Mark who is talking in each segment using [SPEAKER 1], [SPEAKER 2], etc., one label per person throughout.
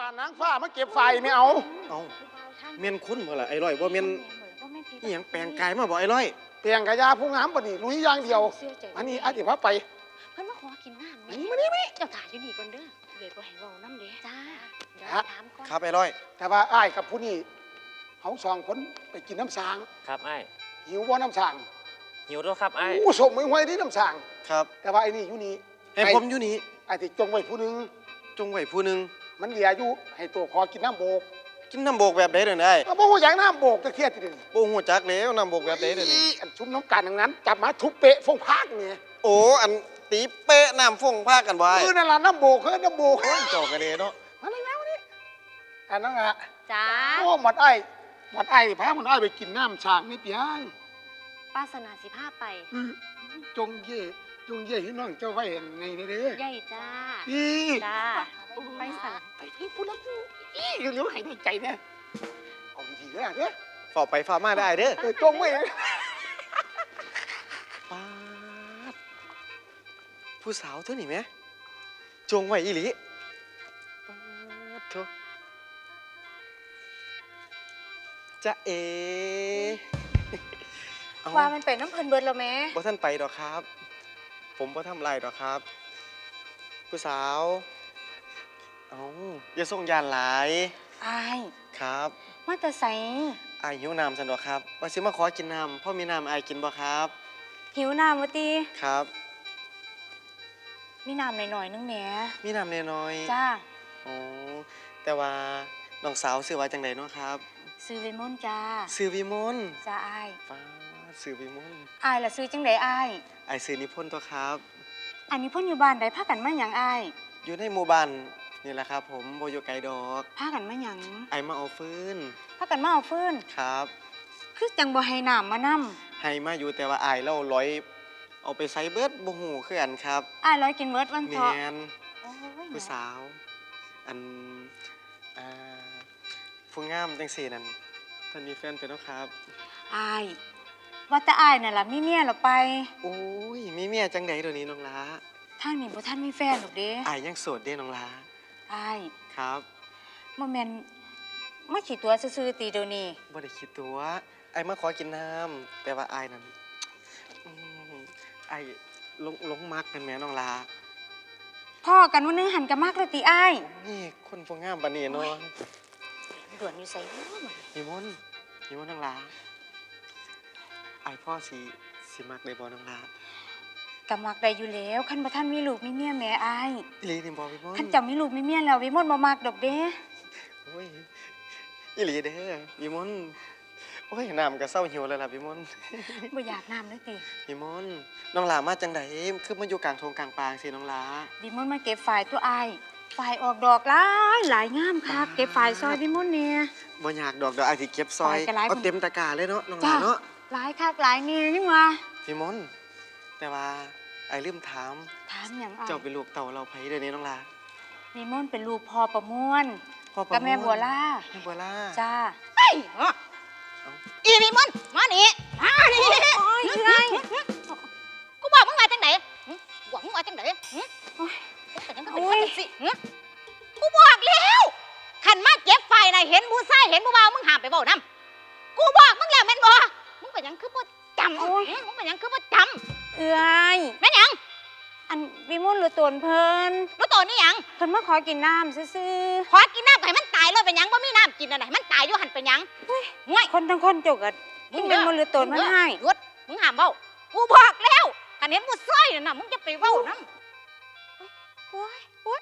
[SPEAKER 1] นางฟ้ามาเก็บไฟไม่เอา
[SPEAKER 2] เมียนคุ้นบ่ล่ะไอ้ร้อยบ่เมียนนี่ยังแปลงกายมาบ่ไอ้ร้อย
[SPEAKER 1] เตียงกะยาผู้งามปนี่ลุยอย่างเดียวอันนี้อาจจะพาไป
[SPEAKER 3] เพิ่นมาขอกินน้ำ
[SPEAKER 1] มานี่
[SPEAKER 3] เจ้าถ่ายอยู่นี่ก่อนเด้อเลยบ่ให้เว้าน้ำเด้จ้าเดี๋ยวถามก่อน
[SPEAKER 2] ครับไอ้ร้อย
[SPEAKER 1] แต่ว่าอ้ายกับผู้นี้เขาสองคนไปกินน้ำสาง
[SPEAKER 4] ครับไอ้
[SPEAKER 1] หิวบ่น้ำสาง
[SPEAKER 4] หิวด้วยครับไอ้
[SPEAKER 1] อู้สมมือไว้ที่น้ำสาง
[SPEAKER 2] ครับ
[SPEAKER 1] แต่ว่าไอ้นี่อยู่นี่
[SPEAKER 2] ให้ผมอยู่นี่
[SPEAKER 1] ไอ้ที่จงไว้ผู้นึงมันเหลืออยู่ให้ตัวพอกินน้ำโบก
[SPEAKER 2] กินน้ำโบกแบบใดเด้อไอ้
[SPEAKER 1] บ่ฮู้อย่างน้ำโบกตะเคียนติดนี่
[SPEAKER 2] บ่ฮู้จักแล้วน้ำโบกแบบใดเด้อนี่
[SPEAKER 1] อันชุมน้ำกันทั้งนั้นจับมาทุบเปะฟงพากนี่
[SPEAKER 2] โอ้อันตีเป๊ะน้ำฟงพากันไว้
[SPEAKER 1] นั่นล่ะน้ำโบกน้ำโบก
[SPEAKER 2] จอกกันเด้เนาะ
[SPEAKER 1] มาเลยแล้วนี่อันนั้นอ่ะ
[SPEAKER 3] จ้า
[SPEAKER 1] โอ้หมดไอ้พาหมดไอ้ไปกินน้ำสางนี่เปียง
[SPEAKER 3] ป้าสนาสิพาไป
[SPEAKER 1] จงเย่ให้น้องเจ้าไว้ไงเด้อ
[SPEAKER 3] ใหญ่จ้าจ้าไปสั่ง
[SPEAKER 1] ไปที่พูดแล้วเร็วๆให้ได้ใจเนี่ยเอาดีๆเด้อ
[SPEAKER 2] ฝ่าไปฝ่ามาได้เด้อ
[SPEAKER 1] จงไว้
[SPEAKER 2] ป๊าดผู้สาวเท่านี่ไหมจงไว้อีหลีป๊าดเถอะจะ
[SPEAKER 3] ว่ามันเป็นน้ำเพลินเบิร์ดแล้วแม่
[SPEAKER 2] บ่ท่านไปดอกครับผมบ่ทำไรดอกครับผู้สาวอย่าส่งยานหลาย
[SPEAKER 3] อาย
[SPEAKER 2] ครับ
[SPEAKER 3] มาแต่ใส
[SPEAKER 2] อายหิวน้ำสันดอกครับว่าสิมาขอกินน้ำพ่อมีน้ำอายกินบ่ครับ
[SPEAKER 3] หิวน้ำวะตี
[SPEAKER 2] ครับ
[SPEAKER 3] มีน้ำหน่อยๆนึงแหม่
[SPEAKER 2] มีน้ำน้อย
[SPEAKER 3] จ้า
[SPEAKER 2] โอ้แต่ว่าน้องสาวซื้อไว้จังไดเนาะครับ
[SPEAKER 3] ซื้อวิมลจ้า
[SPEAKER 2] ซื้อวิมล
[SPEAKER 3] จ้าอาย
[SPEAKER 2] ฟ้าซื้อวิมล
[SPEAKER 3] อายล่ะซื้อจังไดอาย
[SPEAKER 2] ซื้อนิพนธ์ตัวครับ
[SPEAKER 3] อันนี้พ่นอยู่บ้านใดพากันมาหยังอาย
[SPEAKER 2] อยู่ในหมู่บ้านนี่แหละครับผมโบอยู่ไกลดอก
[SPEAKER 3] พากันมาหยัง
[SPEAKER 2] มาเอาฟืน
[SPEAKER 3] พากันมาเอาฟืน
[SPEAKER 2] ครับ
[SPEAKER 3] คือจังบ่ให้น้ำมานำ
[SPEAKER 2] ให้มาอยู่แต่ว่าเราร้อยเอาไปใส่เบิดบ่ฮู้คืออันครับ
[SPEAKER 3] ร้อยกินเบิดวันเถาะ
[SPEAKER 2] แม่นผู้สาวอันผู้งามจังซี่นั่นท่านมีแฟนเป็นแล้วครับ
[SPEAKER 3] ว่าแต่น่ะล่ะมีเมียหรอไป
[SPEAKER 2] โอ้ยมีเมียจังได๋เดี๋ยวนี้น้องลา
[SPEAKER 3] ทางนี้บ่ทันมีแฟนหรอกเด้
[SPEAKER 2] ยังโสดเด้น้องลาครับ
[SPEAKER 3] บ่แม่นมาขี้ตัวซื่อๆตีเดี๋ยวนี้
[SPEAKER 2] บ่ได้ขี้ตัวมาขอกินน้ำแต่ว่านั่นหลงมักกันแม่น้องลา
[SPEAKER 3] พ่อกันวันนึงหันกันมากเลยตี
[SPEAKER 2] นี่คนผู้งามปานนี้เนาะ
[SPEAKER 3] ด่วนอยู่ไส
[SPEAKER 2] นิมนต์น้องลาพ่อสิมักได้บ่น้องลาก
[SPEAKER 3] ำมักได้อยู่แล้วคันบ่ทันมีลูกมีเมียแม่อี
[SPEAKER 2] หลีนี่บ่วิมล
[SPEAKER 3] คันจะมีลูกมีเมียแล้ววิมลบ่มักดอกเด้
[SPEAKER 2] โอ้ยอีหลีเด้อวิมลโอ้ยน้ำก็เศร้าหิวแล้วล่ะวิมล
[SPEAKER 3] บ่อยากน้ำเลยติ
[SPEAKER 2] วิมลน้องลามาจังไดคือมาอยู่กลางทงกลางปางสิน้องลา
[SPEAKER 3] วิมลมาเก็บฝ่ายตัวฝ่ายออกดอกหลายงามคักเก็บฝ่ายซอยวิมลเนี่ย
[SPEAKER 2] บ่อยากดอกสิเก็บซอยเอาเต็มตะกร้าเลยเนาะน้องลาเนาะ
[SPEAKER 3] หลายคักหลายนี่นี่ว่า
[SPEAKER 2] วิมลแต่ว่าลืมถาม
[SPEAKER 3] อย่าง
[SPEAKER 2] เจ้าเป็นลูกเต่าเราไผเดี๋ยวนี้น้องลา
[SPEAKER 3] วิมลเป็นลูกพ่อประมวลกับแม่บัวล่าจ้า
[SPEAKER 5] อีวิมลมานี่กูบอกมึงมาจังไหนบอกมึงมาจังไหนกูบอกแล้วขันมาเก็บไฟนายเห็นผู้ชายเห็นผู้บ่าวมึงห้ามไปบอกน้ำกูบอกมึงแล้วแม่นบ่มึงเป็นยังคือบ่จำมึงเป็นยังคือบ่จำแม่นยัง
[SPEAKER 3] อันวิมลหรือตนเพิ่น
[SPEAKER 5] รู้ตัวนี่ยัง
[SPEAKER 3] เพิ่นมาขอกินน้ำซื่อ
[SPEAKER 5] ขอกินน้ำให้มันตายเลยเป็นยังบ่มีน้ำกินอะไรมันตายอยู่หันเป็นยัง
[SPEAKER 3] คนทั้งคนจกอ่ะวิมลหรือตนมันให้
[SPEAKER 5] หยุดมึงห้ามเบ้ากูบอกแล้วขันเห็นผู้ชายน่ะมึงจะไปเบ้าน้ำผู้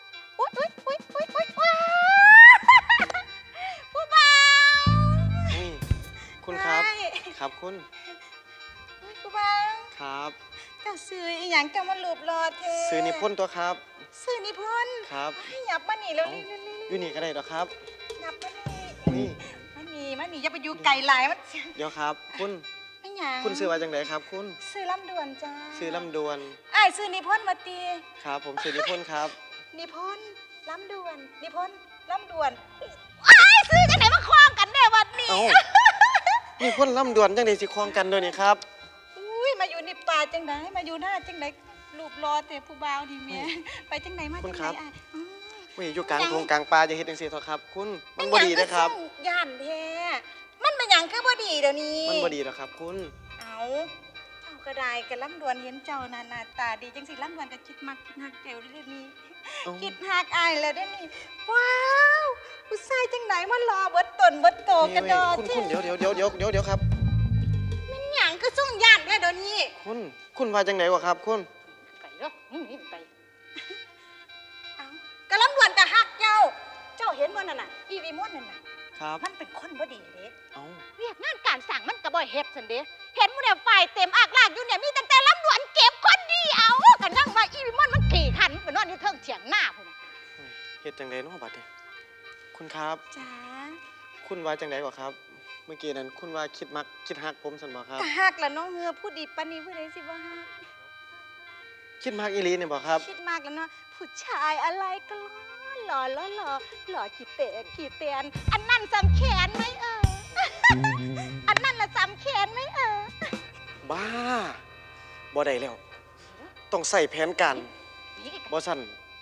[SPEAKER 5] บ่าว
[SPEAKER 2] คุณครับคุณ
[SPEAKER 5] ผู้บ่าว
[SPEAKER 2] ครับ
[SPEAKER 5] เจ้าซื้ออีหยังเจ้ามาหลูบรอเธอ
[SPEAKER 2] ซื้อนิพนธ์ตัวครับ
[SPEAKER 5] ซื้อนิพนธ์
[SPEAKER 2] ครับ
[SPEAKER 5] ให้หยับมาหนีแล้ว
[SPEAKER 2] อยู่นี่ก็ได้หรอครับ
[SPEAKER 5] หยับมานี่มาหนีจะไปอยู่ไก่หลายมัน
[SPEAKER 2] เดี๋ยวครับคุณซื้อมาจังไหนครับคุณ
[SPEAKER 5] ซื้อลำดวนจ้า
[SPEAKER 2] ซื้อลำดวน
[SPEAKER 5] ซื้อนิพนธ์มาตี
[SPEAKER 2] ครับผมซื้อนิพนธ์ครับ
[SPEAKER 5] นิพนธ์ลำดวนนิพนธ์ลำดวนซื้อจังไหนมาคล้องกันเนี่ยวันนี้
[SPEAKER 2] นิพนธ์ลำดวนจังไหนสิคล้องกันด้วยนี่ครับ
[SPEAKER 5] มาอยู่ในป่าจังไหนมาอยู่หน้าจังไหนรูปรอแต่ผู้บ่าวดีเมียไปจังไหนมาจังไหน
[SPEAKER 2] ไม่อยู่กลางทงกลางป่าจะเฮ็ดจังซี่เถอะครับ คุณมันบ่ดีนะครับ
[SPEAKER 5] ย่านแท้มันเป็นหยังคือบ่ดีเดี๋ยวนี้
[SPEAKER 2] มันบ่ดีหรอกครับ คุณ
[SPEAKER 5] เอาก็ได้กะลำดวนเห็นเจ้าหน้าตาดีจังสิลำดวนก็คิดมักคิดฮักเจ้าเดี๋ยวนี้
[SPEAKER 2] เอ้า
[SPEAKER 5] คิดฮักอายแล้วเดี๋ยวนี้ว้าวผู้ชายจังไหนมันรอเบิดตนเบิดโตกระดอ
[SPEAKER 2] คุณเดี๋ยวครับ
[SPEAKER 5] มันหยังก็ส่งย่านด้วยเดี๋ยวนี้
[SPEAKER 2] คุณว่าจังไหนวะครับ คุณ
[SPEAKER 5] ไปเนาะมึงนี่ไปเอากะลำดวนก็ฮักเจ้า เจ้าเห็นบ่นั่นน่ะอีวีมอนนั่นน่ะ
[SPEAKER 2] ครับ
[SPEAKER 5] มันเป็นคนบ่ดีเด้
[SPEAKER 2] เอ้า
[SPEAKER 5] เรียกงานการสั่งมันก็บ่เฮ็ดซั่นเด้เห็นหมู่เนี่ยฝ่ายเต็มอากลากอยู่เนี่ยมีตั้งแต่ลำดวนเก็บคนเดียวก็นั่งว่าอีวีมอนมันขี่ขันไปนอนอยู่เทิงเถียงหน้าพุ่นน่ะ
[SPEAKER 2] เฮ็ดจังไดเนาะบัดนี้คุณครับ
[SPEAKER 5] จ้า
[SPEAKER 2] คุณว่าจังไดวะครับ เมื่อกี้นั้นคุณว่าคิดฮักผมซั่นบ่ครับ
[SPEAKER 5] ก็ฮักละน้องเฮือผู้ดีปานนี้ผู้ใดสิบ่ฮัก
[SPEAKER 2] คิดมักอีหลีเนี่ยบ่ครับ
[SPEAKER 5] คิดมากแล้วเนาะผู้ชายอะไรก็หล่อหล่อขี้เตะขี้เตียนอันนั้นสำแขนไหมอันนั้นละสำแขนไหม
[SPEAKER 2] บ้าบ่ได้แล้ว ต้องใส่แผนการบ่ซั่น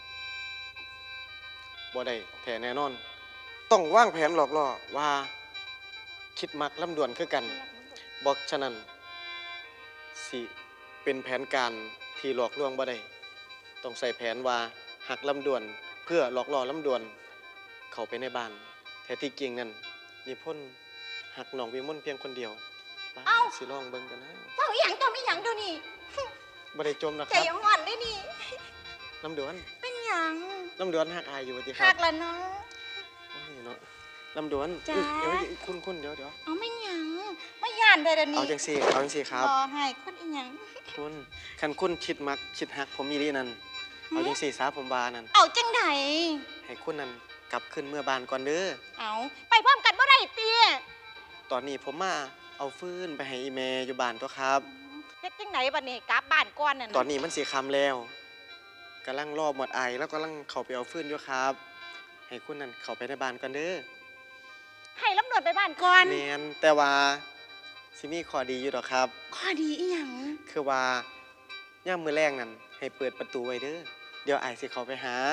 [SPEAKER 2] บ่ได้แท้แน่นอน ต้องวางแผนหลอกล่อว่าคิดมักลำดวนคือกันบ่ฉะนั้นสิเป็นแผนการที่หลอกลวงบ่ได้ต้องใส่แผนว่าหักลำดวนเพื่อหลอกล่อลำดวนเข้าไปในบ้านแท้ที่จริงนั่นนิพนธ์หักน้องวิมลเพียงคนเดียวบ้าสิลองเบิ่งกันนะ
[SPEAKER 5] เจ้าอีหยังตัวไม่หยังเดี๋ยวนี้
[SPEAKER 2] บ่ได้จมนะค
[SPEAKER 5] ใจ
[SPEAKER 2] รับ
[SPEAKER 5] ห่อนได้นี่
[SPEAKER 2] ลำดวน
[SPEAKER 5] เป็นหยัง
[SPEAKER 2] ลำดวนหักอายอยู่ว่าติค
[SPEAKER 5] ฮั
[SPEAKER 2] รั
[SPEAKER 5] ก
[SPEAKER 2] บ
[SPEAKER 5] ละเนาะ
[SPEAKER 2] โอ้ยเนาะลำดวน
[SPEAKER 5] จ้า
[SPEAKER 2] เดี๋ยวคุณเดี๋ยว
[SPEAKER 5] เอาไม่หยังไม่ย่านได้เดี๋ยวนี้
[SPEAKER 2] เอาจังซี่ครับ
[SPEAKER 5] รอให้คนอีหยัง
[SPEAKER 2] คุณคันคุณคิดมักคิดหักผมอีหลีนั่นเอาจังซี่ซะผมว่านั่น
[SPEAKER 5] เอาจังได
[SPEAKER 2] ให้คุณนั่นกลับขึ้นเมื่อบ้านก่อนเด้อ
[SPEAKER 5] เอาไปพร้อมกันบ่ได้เตี้ย
[SPEAKER 2] ตอนนี้ผมมาเอาฟืนไปให้อีแม่อยู่บ้านตัวครับ
[SPEAKER 5] เฮ็ดจังไหนบัดนี้กลับบ้านก่อนน่ะ
[SPEAKER 2] ตอนนี้มันสิค่ำแล้วกำลังรอหมดไอแล้วกำลังเข้าไปเอาฟืนอยู่ครับ ให้คุณนั่นเข้าไปในบ้านก่อนเด้อ
[SPEAKER 5] ให้ลำดวนไปบ้านก่อน
[SPEAKER 2] แม่นแต่ว่าสิมีข้อดีอยู่ดอกครับ
[SPEAKER 5] ข้อดีอีหยัง
[SPEAKER 2] คือว่าย่ามมื้อแรงนั่นให้เปิดประตูไว้เด้อเดี๋ยวไอายสิเข้าไปหา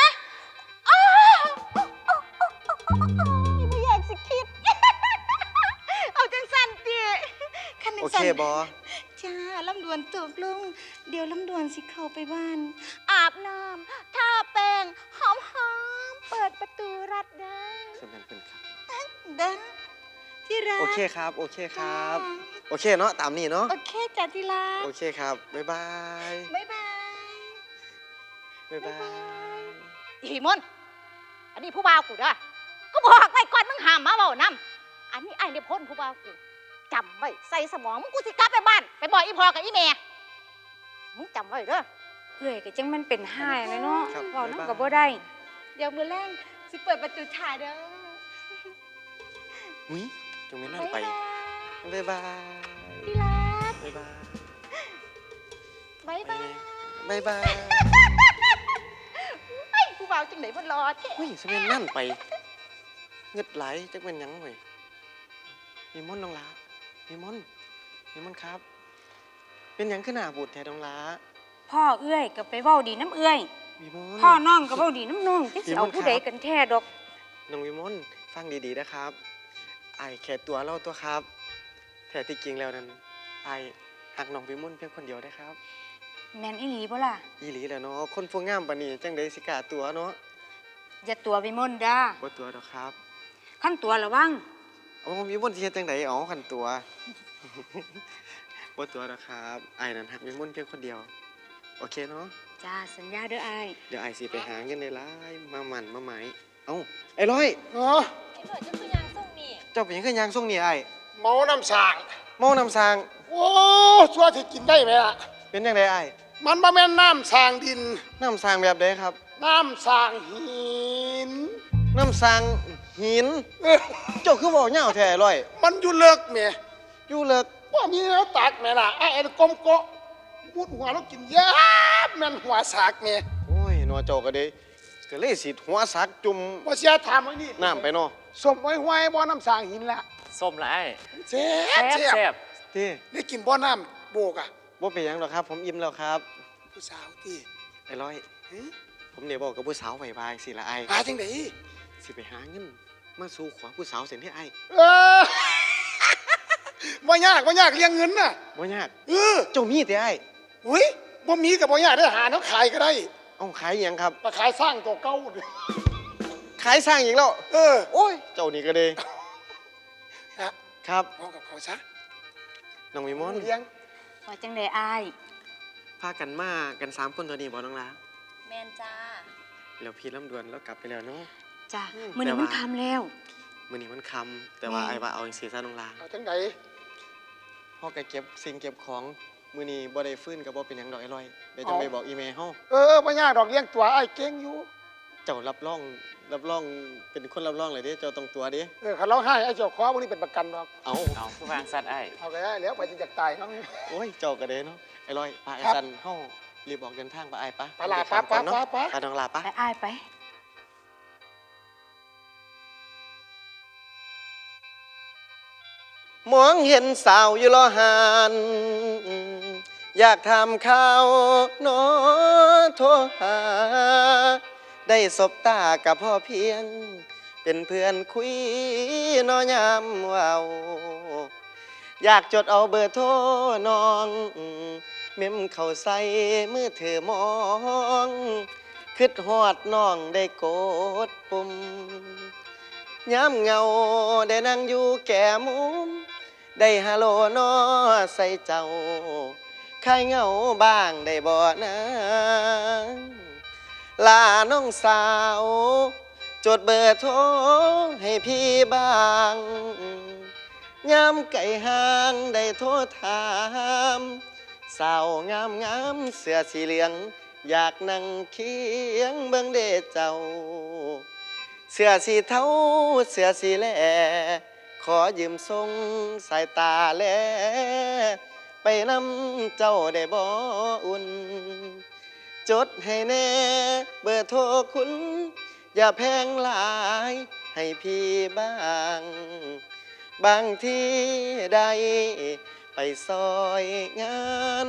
[SPEAKER 5] ไม่อยากสิคิด เอาจังสันติคันจั
[SPEAKER 2] โอง
[SPEAKER 5] สั
[SPEAKER 2] เคน บอ
[SPEAKER 5] จ้าลำดวนตกลง เดี๋ยวลำดวนสิเข้าไปบ้าน อาบน้ำทาแป้งหอมๆเปิดประตูรัดได้
[SPEAKER 2] สำคัญเป็นครับ
[SPEAKER 5] เด้อที่รัก
[SPEAKER 2] โอเคครับ โอเคครับ โอเคเนาะตามนี้เนาะ
[SPEAKER 5] โอเคจ้ะที่รัก
[SPEAKER 2] โอเคครับ บ๊ายบาย
[SPEAKER 5] บ๊ายบาย
[SPEAKER 2] บ๊ายบาย
[SPEAKER 5] อีมนอันนี้ผู้บ่าวกูเด้อกูบอกไว้ก่อนมึงห้ามมาเว้านำอันนี้ไอ้เนี่ยพ้นผู้บ่าวกูจำไว้ใส่สมองมึงกูสิกลับไปบ้านไปบอกอีพ่อกับอีแม่มึงจำไว้เด้อ
[SPEAKER 3] เอ้ยก็จังมันเป็นห้ายเลยเนาะ
[SPEAKER 2] ครับ
[SPEAKER 3] เว้า
[SPEAKER 2] บ๊ายบาย
[SPEAKER 3] นำก็บ่ได้
[SPEAKER 5] เดี๋ยวมือแรงสิเปิดประตูชายเด้อ
[SPEAKER 2] หุ้ยจงไม่นั่นไป บ๊ายบาย
[SPEAKER 5] ที่รัก
[SPEAKER 2] บ๊ายบาย
[SPEAKER 5] บ๊ายบาย
[SPEAKER 2] บ๊ายบาย
[SPEAKER 5] ไอ้ผู้บ่าวจังไหนมันรอแท้
[SPEAKER 2] หุ้ยสมัยนั่นไป เงึดไหลจักเป็นหยังเว้ยมีมอนต์น้องหลามีมอนต์ครับ เป็นหยังขึ้นหน้าบูดแท้น้องหลา
[SPEAKER 3] พ่อเอ้ยก็ไปเว้าดีน้ำเอ้ย
[SPEAKER 2] มีมอนต์
[SPEAKER 3] พ่อน้องก็เว้าดีน้ำน้องจังสิเอา
[SPEAKER 2] พี่มนต์
[SPEAKER 3] ผู้
[SPEAKER 2] ครับ
[SPEAKER 3] ใดกันแท้ดอก
[SPEAKER 2] น้องวิมลฟังดีๆนะครับไอายแค่ตัวเล่าตัวครับแต่ที่จริงแล้วนั้นไอายหักน้องวิมลเพียงคนเดียวได้ครับ
[SPEAKER 3] แม่นอีหลีบ่ล่ะ
[SPEAKER 2] อีหลีแหละเนาะคนพวกงามปานนี้จังไดสิกล้าตัวเนาะ
[SPEAKER 3] อย่าตัวไปมนต์ด้า
[SPEAKER 2] บ่ตัวดอกครับ
[SPEAKER 3] ขั้นตัวระวัง
[SPEAKER 2] เอาวิมลสิเฮ็ดจังไดอ๋อคันตัว บ่ตัวดอกครับไอายนั้นหักวิมลเพียงคนเดียว โอเคเนาะ
[SPEAKER 3] จ้าสัญญาเด้ออ้าย
[SPEAKER 2] เดี๋ยวไอายสิไปหาเงินได้หลายมาหมั่นมาหมายเอ้าไอ้ร้อย
[SPEAKER 1] เออ
[SPEAKER 5] ไอ้หน่อยจะคือยางส่งนี่
[SPEAKER 2] เจ้าเป็นหยังคือยางส่งนี่ไอ้าย
[SPEAKER 1] เมาน้ำสาง
[SPEAKER 2] เมานำสร้าง
[SPEAKER 1] โอ้ชัวที่กินได้ไหมล่ะ
[SPEAKER 2] เป็นจังไดไอ้าย
[SPEAKER 1] มันบ่แม่นน้ำสางดิน
[SPEAKER 2] น้ำสร้างแบบใดครับ
[SPEAKER 1] น้ำสางหิน
[SPEAKER 2] น้ำสร้างหิน เจ้าคือเว้าเหย้าแท้ไอ้ร้อย
[SPEAKER 1] มันอยู่เลิกแม่
[SPEAKER 2] อยู่เลิก
[SPEAKER 1] ว่ามีแล้วตักแม่ล่ะไอ้กลมโกะมุดหัวแล้วกินยาบแม่นหัวสากแม่
[SPEAKER 2] โอ้ยหนอเจ้าก็ได้ก็เลยสิหัวสักจุ่ม
[SPEAKER 1] ว่าเสียถามไว้นี่
[SPEAKER 2] น้ำไปเนาะ
[SPEAKER 1] สมไว้ห้วยบ่อน้ำสางหินละ
[SPEAKER 4] ส้มละไอ้
[SPEAKER 1] เจ็บ
[SPEAKER 4] แซ่บ
[SPEAKER 1] เจ็บ
[SPEAKER 4] แซ่บ
[SPEAKER 2] ที่
[SPEAKER 1] ได้กินบ่อน้ำโบกอ่ะ
[SPEAKER 2] บ่เป็นหยังหรอกครับ ผมอิ่มแล้วครับ
[SPEAKER 1] ผู้สาวที่
[SPEAKER 2] ไอ้ร้อย
[SPEAKER 1] หึ
[SPEAKER 2] ผมเดี๋ยวบอกกับผู้สาวไว้บายสิละไอ้
[SPEAKER 1] หาจังได๋
[SPEAKER 2] สิไปหาเงินมาสู่ขวาผู้สาวเสียให้ไอ้
[SPEAKER 1] เออ บ่ยากเลี้ยงเงินน่ะ
[SPEAKER 2] บ่ยาก
[SPEAKER 1] เออ
[SPEAKER 2] เจ้ามีแต่ไอ้
[SPEAKER 1] อุ้ยบ่มีก็บ่ยากได้หาน้ำขายก็ได้
[SPEAKER 2] เอาขายหยังครับ
[SPEAKER 1] มาขายสร้างตัวเก่า
[SPEAKER 2] ขายสร้างอีกแล้ว
[SPEAKER 1] เออ
[SPEAKER 2] โอ้ยเจ้านี่ก็เลย
[SPEAKER 1] นะครับ เอากับเขาซะ
[SPEAKER 2] น้องวิมล
[SPEAKER 1] เลี้ยง
[SPEAKER 3] ว่าจังได๋อ้าย
[SPEAKER 2] พากันมากัน3 คนตัวนี้บ่น้องลา
[SPEAKER 5] แมนจ้า
[SPEAKER 2] แล้วพี่ลำดวนแล้วกลับไปแล้วเนาะ
[SPEAKER 3] จ้ะ
[SPEAKER 2] อืม
[SPEAKER 3] มื้อนี้
[SPEAKER 2] แต่ว่า
[SPEAKER 3] มันค่ำแล้ว
[SPEAKER 2] มื้อนี้มันค่ำแต่ว่า
[SPEAKER 3] แม่
[SPEAKER 2] ไอ้ว่าเอาจังซี่ซะน้องลา
[SPEAKER 1] เอาจังได
[SPEAKER 2] พ่อก็เก็บสิ่งเก็บของมื้อนี้บ่ได้ฟื้นก็บ่เป็นหยังดอกไอ้ลอยเดี๋ยวจะไปบอกอีเมลเฮา
[SPEAKER 1] เออบ่ยากดอกเลี้ยงตัวไอ้เก่งอยู่
[SPEAKER 2] เจ้ารับรองเป็นคนรับรองเลยเด้เจ้าต้องตัวเด้
[SPEAKER 1] เออคันร้องไห้ไอ้เจ้าขอพวกนี้เป็นประกันดอก
[SPEAKER 2] เอา
[SPEAKER 4] เอาผู้ฟังสัตว์ไอ้
[SPEAKER 1] เอาไปได้แล้วไปจะตายเนาะ
[SPEAKER 2] โอ้ยเจ้าก็เด้เนาะไอ้ลอยพาไอ้
[SPEAKER 1] ครับ
[SPEAKER 2] ซันเฮารีบออกเดินทางไปไอ้ปะ
[SPEAKER 1] ไปลา
[SPEAKER 2] เดี๋ยว
[SPEAKER 1] ปะ
[SPEAKER 2] ก่อนเนาะ
[SPEAKER 1] ปะ
[SPEAKER 2] ไปน้องลาปะ
[SPEAKER 3] ไปอ้ายไป
[SPEAKER 2] มองเห็นสาวอยู่ลอหานอยากทำข้าวโนโทรหา ได้สบตากับพ่อเพียง เป็นเพื่อนคุยนอยามเว้าอยากจดเอาเบอร์โทรน้องเม้มเข้าใส่มือถือมองคิดฮอดน้องได้กดปุ่มย้ำเงาได้นั่งอยู่แก่มุม ได้ฮัลโหลนอใส่เจ้าคายเหงาบ้างได้บ่นะลาน้องสาว จดเบอร์โทรให้พี่บ้างยามไก่ห่างได้โทรถามสาวงามเสื้อสีเหลือง อยากนั่งเคียงเบิ่งเดเจ้า เสื้อสีเทาเสื้อสีแหล่ขอยืมทรงสายตาแลไปนำเจ้าได้บ่อุ่น จดให้แน่เบอร์โทรคุณ อย่าแพงหลายให้พี่บ้าง บางที่ใดไปซอยงาน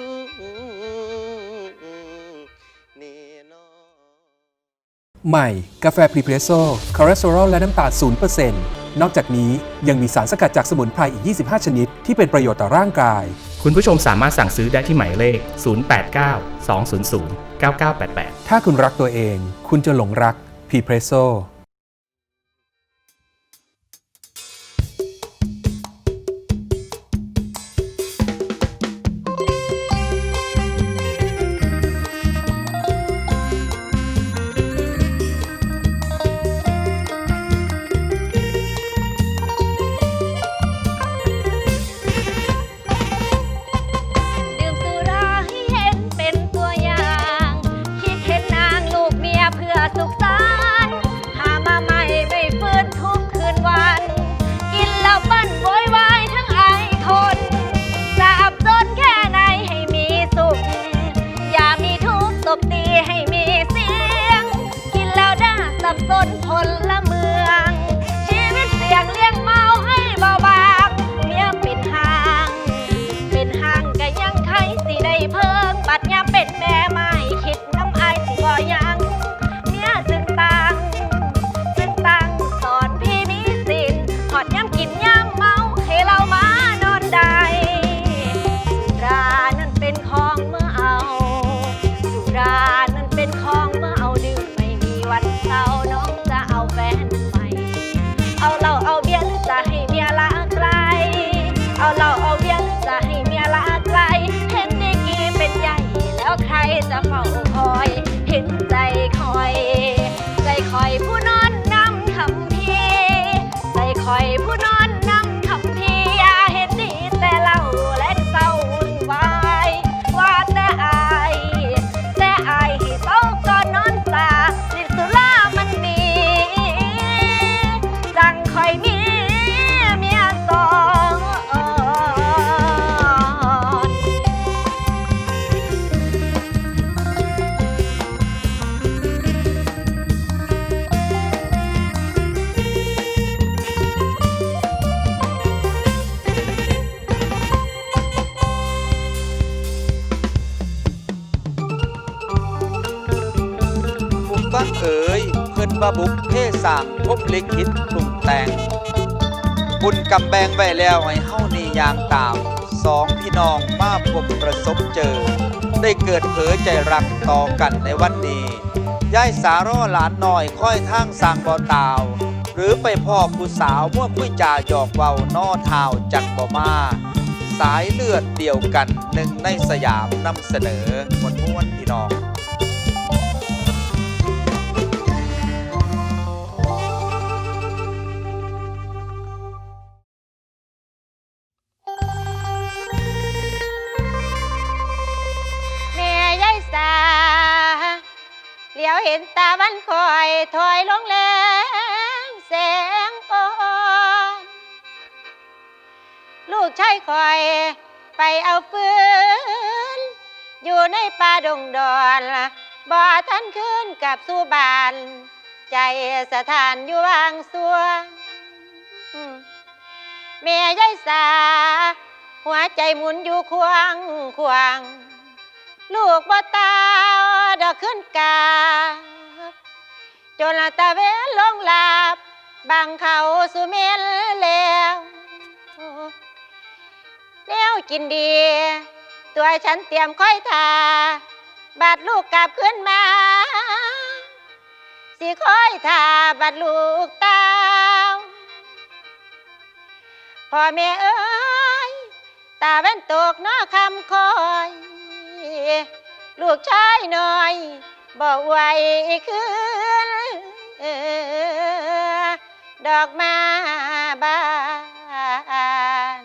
[SPEAKER 2] นี่เนาะ
[SPEAKER 6] ใหม่ กาแฟพรีเพรสโซ่คอเลสเตอรอลและน้ำตาล 0% นอกจากนี้ยังมีสารสกัดจากสมุนไพรอีก 25 ชนิด ที่เป็นประโยชน์ต่อร่างกาย
[SPEAKER 4] คุณผู้ชมสามารถสั่งซื้อได้ที่หมายเลข 089 200 9988
[SPEAKER 6] ถ้าคุณรักตัวเอง คุณจะหลงรักพรีเพรสโซ่
[SPEAKER 5] ดื่มสุราให้เห็นเป็นตัวอย่าง คิดเห็นนางลูกเมียเพื่อสุขสันต์หามาใหม่ไม่ฟื้นทุกคืนวัน กินแล้วปั้นโวยวายทั้งไอคนสาบจนแค่ไหนให้มีสุข อย่ามีทุกข์ตบตีให้มีเสียง กินแล้วด่าสับสนพลเมือง ชีวิตเสี่ยงเลี้ยงเมาให้เบาบางเมียเป็นห่าง เป็นห่างก็ยังใครสิได้เพิ่งบัดยามเป็นแม่ไม่คิดน้ำอายสิบ่ยังเมียจึงตังสอนพี่มีสินหอดยามกินยามเมาให้เรามานอนได้สุรานั้นเป็นของเมื่อเอาสุรานั้นเป็นของเมื่อเอาดื่มไม่มีวันเศร้าน้องจะเอาแฟนใหม่
[SPEAKER 7] มาบุกเพศางพบลิขิตปรุงแต่งบุญกำแบงไว้แล้วให้เฮานี่ยางตามสองพี่น้องมาพบประสบเจอ ได้เกิดเผยใจรักต่อกันในวันนี้ยายสาร่อหลานน้อยค่อยทางสร้างบ่อตาว หรือไปพ่อผู้สาวมั่วคุยจ่าหยอกเว้านอเท้าจักบ่มาสายเลือดเดียวกันหนึ่งในสยามนำเสนอม้วนพี่น้อง
[SPEAKER 5] แม่ยายสาเหลียวเห็นตาวันคอยถอยลงแรงแสงอ่อนลูกชายคอยไปเอาฟืนอยู่ในป่าดงดอนบ่ทันคืนกับสู่บ้านใจสถานอยู่วางสัวแม่ยายสาหัวใจหมุนอยู่ควางควางลูกบ่ตาดอกขึ้นกาจนละตาเวนลงหลับบางเขาสุเมนแล้วแนวกินดีตัวฉันเตรียมค่อยทาบาดลูกกลับขึ้นมาสิค่อยทาบาดลูกเต้าพ่อแม่เอ้ยตาแว่นตกนอคำคอยลูกชายน้อยบ่ไหวคืนดอกมาบาน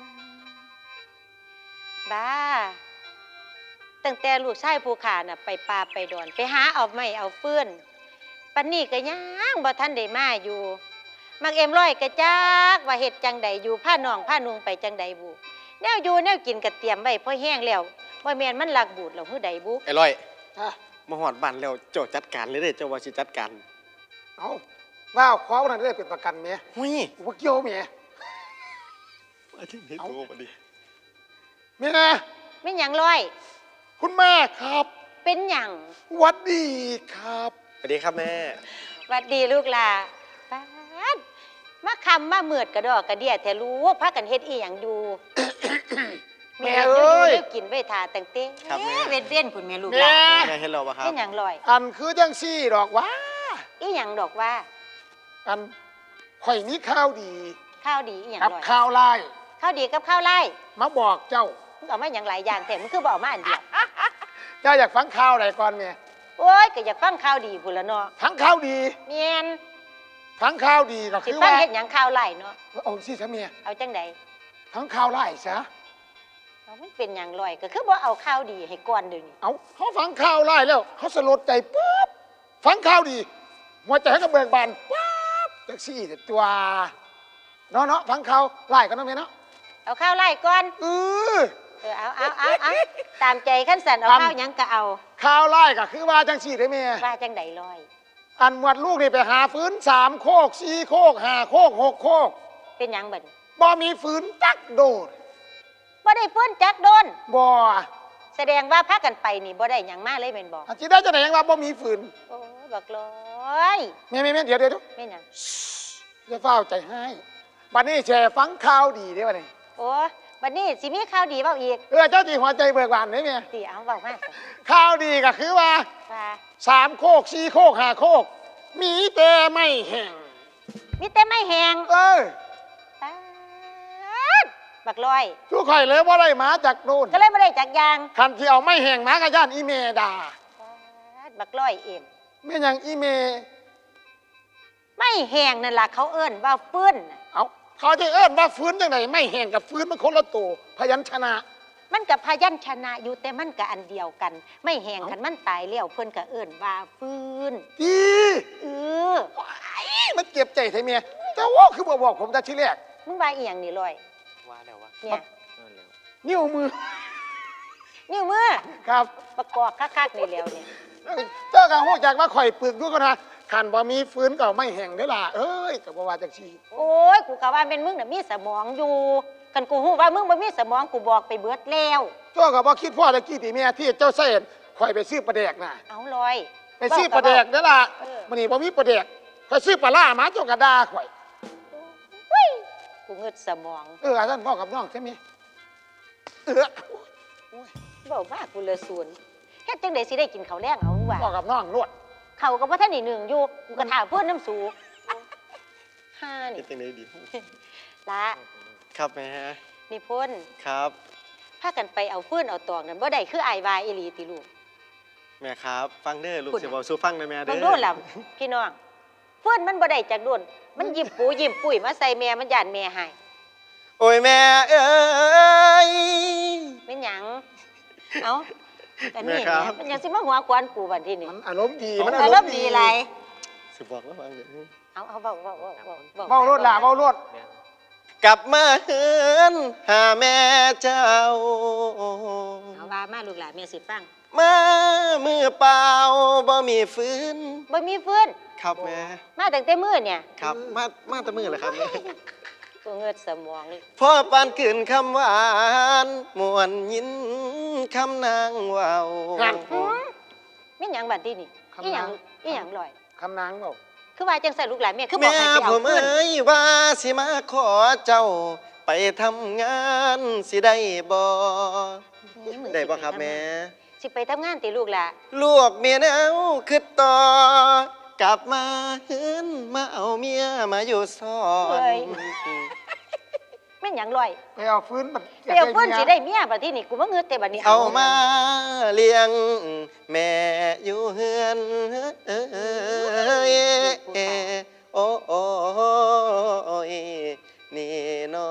[SPEAKER 5] บ้าตั้งแต่ลูกชายผู้ขาน่ะไปป่าไปดอนไปหาเอาไม้เอาฟืนปันนี้ก็ยังบ่ทันได้มาอยู่มักเอ็มร้อยกระจักว่าเฮ็ดจังใดอยู่ผ้าน้องผ้านุงไปจังใดบุแนวอยู่แนวกินกระเตรียมไว้พอแห้งแล้วว่าแม่นมันหลักบูดแล้วหื้อใดบุ
[SPEAKER 2] ไอ้ร้อย
[SPEAKER 1] ฮะ
[SPEAKER 2] มาหอดบ้านแล้วเจ้าจัดการเลยเด้อเจ้าว่าสิจัดการ
[SPEAKER 1] เอาว้าวขอวันนั้นได้เป็นประกันเมีย
[SPEAKER 2] หุ้ย
[SPEAKER 1] ว่าเกี่ยวเมีย
[SPEAKER 2] มาที่นี่โตมาดิ
[SPEAKER 1] เมีย
[SPEAKER 5] ไม่หยังร้อย
[SPEAKER 1] คุณแม่ครับ
[SPEAKER 5] เป็นหยัง
[SPEAKER 1] หวัดดีครับ
[SPEAKER 2] สวัสดีครับแม่
[SPEAKER 5] หวัดดีลูกหล่ะป๊าดมาคำมาเมือดกระดอกกระเดียแท้รู้พากันเฮ็ดอีหยังอยู่
[SPEAKER 1] แม่เอ้ย
[SPEAKER 5] เดี๋ยวกินไว้ทาตั้งเต้
[SPEAKER 2] ครับแม่
[SPEAKER 5] เว้นเว้นคุณแม่ลูกห
[SPEAKER 1] แม่
[SPEAKER 5] ล่ะ
[SPEAKER 2] แม่เห็นเราปะครับ
[SPEAKER 5] เป็นหยังร้อย
[SPEAKER 1] อันคือจังซี่ดอกว่า
[SPEAKER 5] อีหยังดอกว่า
[SPEAKER 1] อันข่อยมีข้าวดี
[SPEAKER 5] ข้าวดีอีหยัง
[SPEAKER 1] กับ
[SPEAKER 5] ร้อย
[SPEAKER 1] ข้าวไล่
[SPEAKER 5] ข้าวดีกับข้าวไล่
[SPEAKER 1] มาบอกเจ้า
[SPEAKER 5] มึงเอามาหยังหลายอย่างแต่มึงคือบอกมาอันเดียว
[SPEAKER 1] เจ้าอยากฟังข่าวอะไรก่อนเมีย
[SPEAKER 5] โอ้ยก็อยากฟังข้าวดีพุ่นละเนาะ
[SPEAKER 1] ฟังข่าวดี
[SPEAKER 5] เมียน
[SPEAKER 1] ฟังข่าวดีก็
[SPEAKER 5] สิ
[SPEAKER 1] คือ
[SPEAKER 5] ฟัง
[SPEAKER 1] ว่า
[SPEAKER 5] เฮ็ดหยังข้าวไล่เนาะ
[SPEAKER 1] เอาสิซะเมีย
[SPEAKER 5] เอาจังใด
[SPEAKER 1] ฟังข่าวไล่ซะ
[SPEAKER 5] เอามันเป็นหยังร้อยก็คือบ่เอาข้าวดีให้ก่อนเดี๋ยวนี้
[SPEAKER 1] เอาเขาฟังข่าวไล่แล้วเขาสลดใจปุ๊บฟังข่าวดีหัวใจเขาก็เบิกบานปุ๊บจังซี่แต่ตัวเนาะฟังข่าวไล่กันเนาะเมียเนาะ
[SPEAKER 5] เอาข้าวไล่ก่อน
[SPEAKER 1] เออ
[SPEAKER 5] เอาตามใจขั้นสันเอาข้าวหยังก็เอา
[SPEAKER 1] ข่าวไล่ก็คือว่าจังซี่ได้เมีย
[SPEAKER 5] ว่าจังใดร้อย
[SPEAKER 1] อันหมวดลูกนี่ไปหาฟื้น3 โคก 4 โคก 5 โคก 6 โคก
[SPEAKER 5] เป็นหยังเบิ่น
[SPEAKER 1] บ่มีฟื้นจักโดด
[SPEAKER 5] บ่ได้ฟื้นจักโดน
[SPEAKER 1] บ่
[SPEAKER 5] แสดงว่าพากันไปนี่บ่ได้หยังมาเลยแม่นบ่
[SPEAKER 1] อันที่ได้จะไหนยังว่าบ่มีฟื้น
[SPEAKER 5] โอ้ยบักร้อย
[SPEAKER 1] แม่เดี๋ยว
[SPEAKER 5] แม่นหยัง
[SPEAKER 1] จะเฝ้าใจให้บัดนี้แชร์ฟังข่าวดีได้บัดนี้
[SPEAKER 5] โอ้ยบัดนี้สิมีข่าวดีเว้าอีก
[SPEAKER 1] เจ้าจีหัวใจเบิกบานได้แม่
[SPEAKER 5] สิเอาเว้ามาสิ
[SPEAKER 1] ข่าวดีก็คือว่า
[SPEAKER 5] ว่า
[SPEAKER 1] 3 โคก 4 โคก 5 โคก มีแต่ไม่แห้ง
[SPEAKER 5] มีแต่ไม่แหง
[SPEAKER 1] เออ
[SPEAKER 5] ป๊าดบักร้อย
[SPEAKER 1] ทุกข่อยเลยว่าได้มาจากโน่น
[SPEAKER 5] ก็เลยบ่ได้จักอยาง
[SPEAKER 1] คันที่เอาไม่แห้งมาก็ย่านอีเมด่า
[SPEAKER 5] ป๊าดบักร้อยเอ็ม
[SPEAKER 1] แม่นหยังอีเม
[SPEAKER 5] ไม่แหงนั่นล่ะเขาเอิ้นว่าฟื้นน่ะ
[SPEAKER 1] เอาเขาจะเอิ้นว่าฟื้นจังไหนไม่แห้งกับฟื้นมันคนละตัวพยัญชนะ
[SPEAKER 5] มันกับพยัญชนะอยู่แต่มันก็อันเดียวกัน ไม่แหงคันมันตายแล้วเพิ่นก็เอิ้นว่าฟื้น
[SPEAKER 1] ดี
[SPEAKER 5] เออ
[SPEAKER 1] มันเจ็บใจไทยเมียแต่ว่าคือบอกผมแต่ทีแรก
[SPEAKER 5] มึงว่าอีหยังนี่ลอย
[SPEAKER 2] ว่าแล้ววะ
[SPEAKER 5] เนี่ย
[SPEAKER 2] นั่นแล้ว
[SPEAKER 1] นิ้วมือ
[SPEAKER 5] นิ้วมือ
[SPEAKER 1] ครับ
[SPEAKER 5] ประกอบคักๆนี่แล้วเนี่ย
[SPEAKER 1] เจ้ากังหูจากว่าข่อยปึกด้วยกันนะขันบ่มีฟื้นก็ไม่แห้งเด้อล่ะเอ้ยกับว่าจังซี่
[SPEAKER 5] โอ้ยกูกะว่าเป็นมึงน่ะมีสมองอยู่คันกูฮู้ว่ามึงบ่มีสมองกูบอกไปเบิดแล้ว
[SPEAKER 1] เจ้าก็บ่คิดพ่อตะกี้ตีเมียที่เจ้าเส้นข่อยไปซื้อปลาแดกน่ะ
[SPEAKER 5] เอาลอย
[SPEAKER 1] ไปซื้อปลาแดกเด้อล่ะ
[SPEAKER 5] เออ
[SPEAKER 1] มื้อนี้บ่มีปลาแดกข่อยซื้อปลาล่ามาเจ้ากระดาข่อย
[SPEAKER 5] กูเงืดสมอง
[SPEAKER 1] อาจารย์พ่อกับน้องใช่ไหมโอ้ย
[SPEAKER 5] เว้ามากกูเลยศูนย์เฮ็ดจังได๋สิได้กินข้าวแรงเอามึงว่า
[SPEAKER 1] พ่อกับน้องนวด
[SPEAKER 5] เขาก็บ่ทันได้หนึ่งอยู่กูก็ถามเพื่อนน้ำสูฮ่า
[SPEAKER 2] คิ
[SPEAKER 5] นี่
[SPEAKER 2] ดจังไดดี
[SPEAKER 5] ละ
[SPEAKER 2] ครับแม่
[SPEAKER 5] นี่พ่น
[SPEAKER 2] ครับ
[SPEAKER 5] พากันไปเอาฟืนเอาตอกนั่นบ่ได้คืออายวายอีหลีติลูก
[SPEAKER 2] แม่ครับ ฟังเด้อลูก
[SPEAKER 5] พูด
[SPEAKER 2] สิบอกสู้ฟังนะแม่เด้
[SPEAKER 5] ต้
[SPEAKER 2] อ
[SPEAKER 5] องโดนล่ะพี่น้องฟืนมันบ่ได้จากโดนมันยิ้มปูยิ้มปุ้ยมาใส่แม่มันย่านแม่ให้
[SPEAKER 2] โอ้ยแม่เอ้ย
[SPEAKER 5] เป็นหยังเอ้าแต่นี่
[SPEAKER 2] แม่ครับ
[SPEAKER 5] มันยังสิมาหัวควนกูบัดทีนี้
[SPEAKER 1] มันอารมณ์ดี
[SPEAKER 5] มัน
[SPEAKER 1] มัน
[SPEAKER 5] อารมณ์ดีหลาย
[SPEAKER 2] สิบอกแล้วฟังเด้อ
[SPEAKER 5] เอาเว้า
[SPEAKER 1] เมารถล่ะเมารถ
[SPEAKER 2] กลับมาเฮือนหาแม่เจ้า
[SPEAKER 5] เอาว่ามาลูกหลานแม่สิฟัง
[SPEAKER 2] มามือเปล่าบ่มีฟื้น
[SPEAKER 5] บ่มีฟืน
[SPEAKER 2] ครับแม่
[SPEAKER 5] มาตั้งแต่มื้อเนี่ย
[SPEAKER 2] ครับมาแต่มือเลยครับแม่
[SPEAKER 5] กูเงือดสมองเลย
[SPEAKER 2] พ่อปานขืนคำหวานมวนยินคำนางเว้า
[SPEAKER 5] มีหยังบัดทีนี่อีหยังลอย
[SPEAKER 1] คำนางเปล่า
[SPEAKER 5] คือว่าจังใส่ลูกหลานแม่คือบอก
[SPEAKER 2] แม่
[SPEAKER 5] ให้ไป
[SPEAKER 2] ผ
[SPEAKER 5] เอา
[SPEAKER 2] ม
[SPEAKER 5] เงิน
[SPEAKER 2] เอ้ยว่าสิมาขอเจ้า ไปทำงานสิได้บ่ ได้บ่ครับแม่
[SPEAKER 5] สิไปทำงานติลูกหล่ะ
[SPEAKER 2] ลูกเมียแนวคือต่อ กลับมาเฮือนมาเอาเมียมาอยู่ซ้อน
[SPEAKER 5] แม่นหยังลอย
[SPEAKER 1] ไปเอาฟื้นมัน
[SPEAKER 5] ไปเอาเพิ่นสิได้เมียบัดทีนี่กูบ่เงินแต่บัดนี้
[SPEAKER 2] เอามาเลี้ยงแม่อยู่เฮือนโอ้โอ้ยนี่น้อง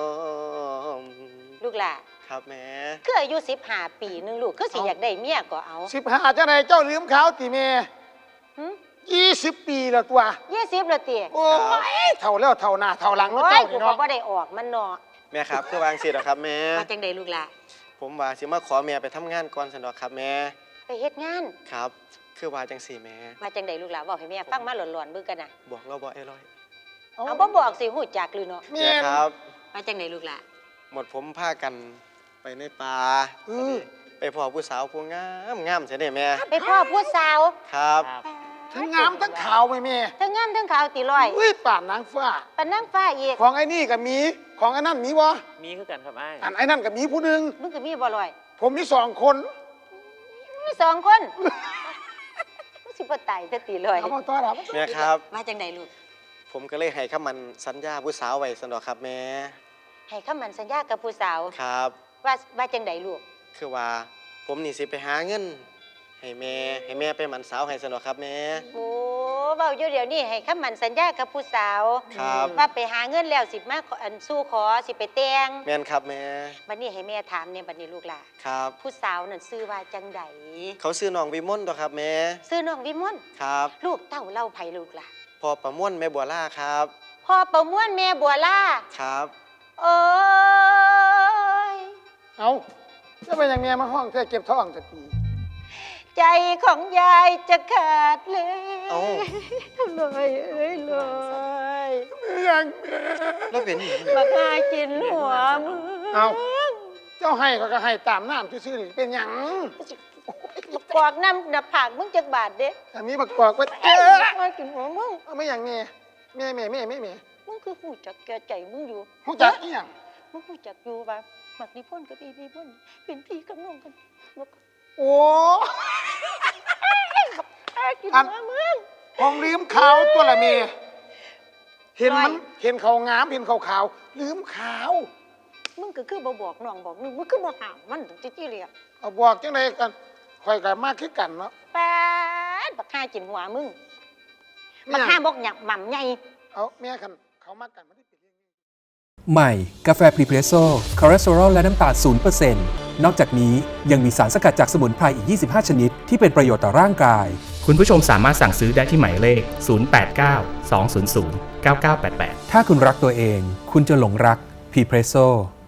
[SPEAKER 5] ลูกหล่ะ
[SPEAKER 2] ครับแม่
[SPEAKER 5] คืออายุ15 ปีนึงลูกคือสิอยากได้เมียก็เอา
[SPEAKER 1] 15จะไหนเจ้าลืมเขาตีเม
[SPEAKER 5] หึ
[SPEAKER 1] 20 ปีแล้วตัว
[SPEAKER 5] 20แล้วติ
[SPEAKER 1] โอ้ยเท่าแล้วเท่าหน้าเท่าหลังแล้ว
[SPEAKER 5] โอ้ย
[SPEAKER 1] เจ้า
[SPEAKER 5] กู
[SPEAKER 1] นี่
[SPEAKER 5] ก็
[SPEAKER 1] เนาะ
[SPEAKER 5] บ่ได้ออกมันเนาะ
[SPEAKER 2] แม่ครับคือวางสิหรอครับแม่
[SPEAKER 5] ว่าจังไดลูกหล่ะ
[SPEAKER 2] ผมว่าสิมาขอแม่ไปทำงานก่อนสันดอกครับแม่
[SPEAKER 5] ไปเฮ็ดงาน
[SPEAKER 2] ครับ คือว่าจังสี่แม่
[SPEAKER 5] ว่าจังไดลูกหล่ะบอกให้แม่ฟังมาหลอนๆเบิ่งกันน่ะ
[SPEAKER 2] บอกเราบ่ไอ้ร้อย
[SPEAKER 5] เอาบ่บอกสิฮู้จักหรือเนาะ
[SPEAKER 1] แม่
[SPEAKER 2] แม่ครับ
[SPEAKER 5] ว่าจังไดลูกหล่ะ
[SPEAKER 2] หมดผมพากันไปในป่า
[SPEAKER 1] อือ
[SPEAKER 2] ไปพอผู้สาวผู้งามงามใช่ไหมแม่
[SPEAKER 5] ไปพ่อผู้สาว
[SPEAKER 2] ครับ
[SPEAKER 1] ทั้งงามทั้งขาวไหมแม่
[SPEAKER 5] ทั้งงามทั้งขาวติลอย
[SPEAKER 1] อุ้ยป่านนางฟ้า
[SPEAKER 5] ปานนางฟ้าอีก
[SPEAKER 1] ของไอ้นี่กับมีของไอ้นั่นมีวะ
[SPEAKER 8] มีคือกันครับไอ้าย
[SPEAKER 1] อันไอ้นั่นกับมีผู้หนึ่ง
[SPEAKER 5] มึงก็มีบ่ลอย
[SPEAKER 1] ผมมี2 คน
[SPEAKER 5] มี2 คนมึงสิบ่ตายแต่ติลอย
[SPEAKER 1] เอามาต้อนรับ
[SPEAKER 2] แม่ครับ
[SPEAKER 5] ว่าจังไดลูก
[SPEAKER 2] ผมก็เลยให้คำมันสัญญาผู้สาวไว้สันดอกครับแม่
[SPEAKER 5] ให้คำมั่นสัญญากับผู้สาว
[SPEAKER 2] ครับ
[SPEAKER 5] ว่าจังไดลูก
[SPEAKER 2] คือว่าผมนี่สิไปหาเงิน ให้แม่ไปหมันสาวให้สันดอกครับแม่
[SPEAKER 5] โอ้เว้าอยู่เดี๋ยวนี้ให้คำมั่นสัญญากับผู้สาว
[SPEAKER 2] ครับ
[SPEAKER 5] ว่าไปหาเงินแล้วสิมาขออันสู้ขอสิไปแต่ง
[SPEAKER 2] แม่นครับแม่
[SPEAKER 5] บัดนี้ให้แม่ถามเนี่ยบัดนี้ลูกหล่ะ
[SPEAKER 2] ครับ
[SPEAKER 5] ผู้สาวนั่นชื่อว่าจังได
[SPEAKER 2] เขาซื้อน้องวิมลตัวครับแม่
[SPEAKER 5] ชื่อน้องวิมล
[SPEAKER 2] ครับ
[SPEAKER 5] ลูกเต้าเล่าไผลูกล่ะ
[SPEAKER 2] พอประม่วนแม่บัวล่าครับ
[SPEAKER 5] พ่อประมวลแม่บัวล่า
[SPEAKER 2] ครับ
[SPEAKER 5] โอ้ย
[SPEAKER 1] เอาจะเป็นอย่างเมียมาห้องแค่เก็บท้องจะตี
[SPEAKER 5] ใจของยายจะขาดเลย
[SPEAKER 2] เอ้า
[SPEAKER 5] เลยเอ้ยเลย
[SPEAKER 1] อย่าง
[SPEAKER 2] แล้วเป็นหยัง
[SPEAKER 5] มาพากินหัวมึง
[SPEAKER 1] เอาเจ้าให้ก็ให้ตามน้ำซื่อๆนี่เป็นอย่าง
[SPEAKER 5] มากอกน้ำหน้าผากมึงจักบาทเด้
[SPEAKER 1] อันนี้บักกอกไว้
[SPEAKER 5] มากินหัวมึง
[SPEAKER 1] เอาไม่อย่างเมียแม่
[SPEAKER 5] มึงคือหูจักแก่ใจมึงอยู่
[SPEAKER 1] หูจักอีหยัง
[SPEAKER 5] มึงหูจักอยู่ว่ามักนิพนธ์กับอีนิพนธ์เป็นพี่กับน้องกันมา
[SPEAKER 1] โอ้
[SPEAKER 5] กิน
[SPEAKER 1] อัน
[SPEAKER 5] หัวมึง
[SPEAKER 1] ของลืมขาวตัวละเมียเห็นมัน
[SPEAKER 5] ร้อย
[SPEAKER 1] เห็นเขางามเห็นเขาขาวลืมขาว
[SPEAKER 5] มึงก็คือบ่บอกน้องบอกนึงมึงคือบ่ห้ามมันถึงจี้เรียก
[SPEAKER 1] เอาบอกจังไดกันคอยกันมากขึ้นกันเนาะ
[SPEAKER 5] ป๊าดบักฆ่ากินหัวมึงบักฆ่าบอกหยับหม่ำใหญ่
[SPEAKER 1] เอาเมียกันเขามากกันไม่ได้เป็นเรื่อง
[SPEAKER 6] ใหม่ กาแฟพรีเพรสโซ่คอเลสเตอรอลและน้ำตาล0%นอกจากนี้ยังมีสารสกัดจากสมุนไพรอีก 25 ชนิด ที่เป็นประโยชน์ต่อร่างกาย
[SPEAKER 4] คุณผู้ชมสามารถสั่งซื้อได้ที่หมายเลข 089 200 9988
[SPEAKER 6] ถ้าคุณรักตัวเอง คุณจะหลงรักพรีเพรสโซ่